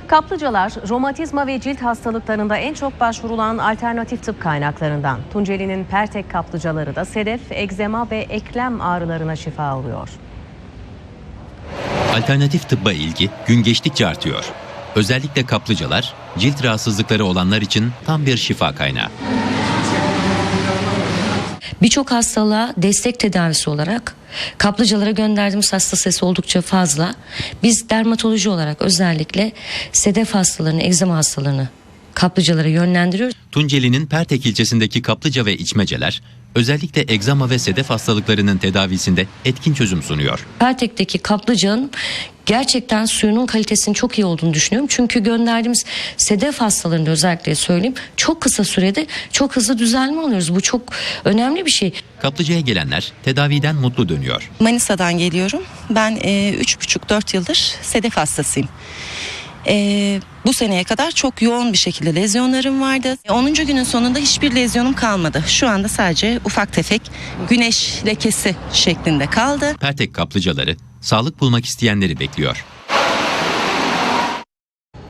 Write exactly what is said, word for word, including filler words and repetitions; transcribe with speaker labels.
Speaker 1: Kaplıcalar, romatizma ve cilt hastalıklarında en çok başvurulan alternatif tıp kaynaklarından. Tunceli'nin Pertek kaplıcaları da sedef, egzema ve eklem ağrılarına şifa oluyor.
Speaker 2: Alternatif tıbba ilgi gün geçtikçe artıyor. Özellikle kaplıcalar, cilt rahatsızlıkları olanlar için tam bir şifa kaynağı.
Speaker 3: Birçok hastalığa destek tedavisi olarak kaplıcalara gönderdiğimiz hasta sayısı oldukça fazla. Biz dermatoloji olarak özellikle sedef hastalarını, egzama hastalarını kaplıcalara yönlendiriyoruz.
Speaker 2: Tunceli'nin Pertek ilçesindeki kaplıca ve içmeceler özellikle egzama ve sedef hastalıklarının tedavisinde etkin çözüm sunuyor.
Speaker 3: Pertek'teki kaplıcanın gerçekten suyunun kalitesinin çok iyi olduğunu düşünüyorum. Çünkü gönderdiğimiz sedef hastalarında özellikle söyleyeyim çok kısa sürede çok hızlı düzelme alıyoruz. Bu çok önemli bir şey.
Speaker 2: Kaplıcaya gelenler tedaviden mutlu dönüyor.
Speaker 4: Manisa'dan geliyorum. Ben e, üç buçuk dört yıldır sedef hastasıyım. E, bu seneye kadar çok yoğun bir şekilde lezyonlarım vardı. onuncu günün sonunda hiçbir lezyonum kalmadı. Şu anda sadece ufak tefek güneş lekesi şeklinde kaldı.
Speaker 2: Pertek kaplıcaları sağlık bulmak isteyenleri bekliyor.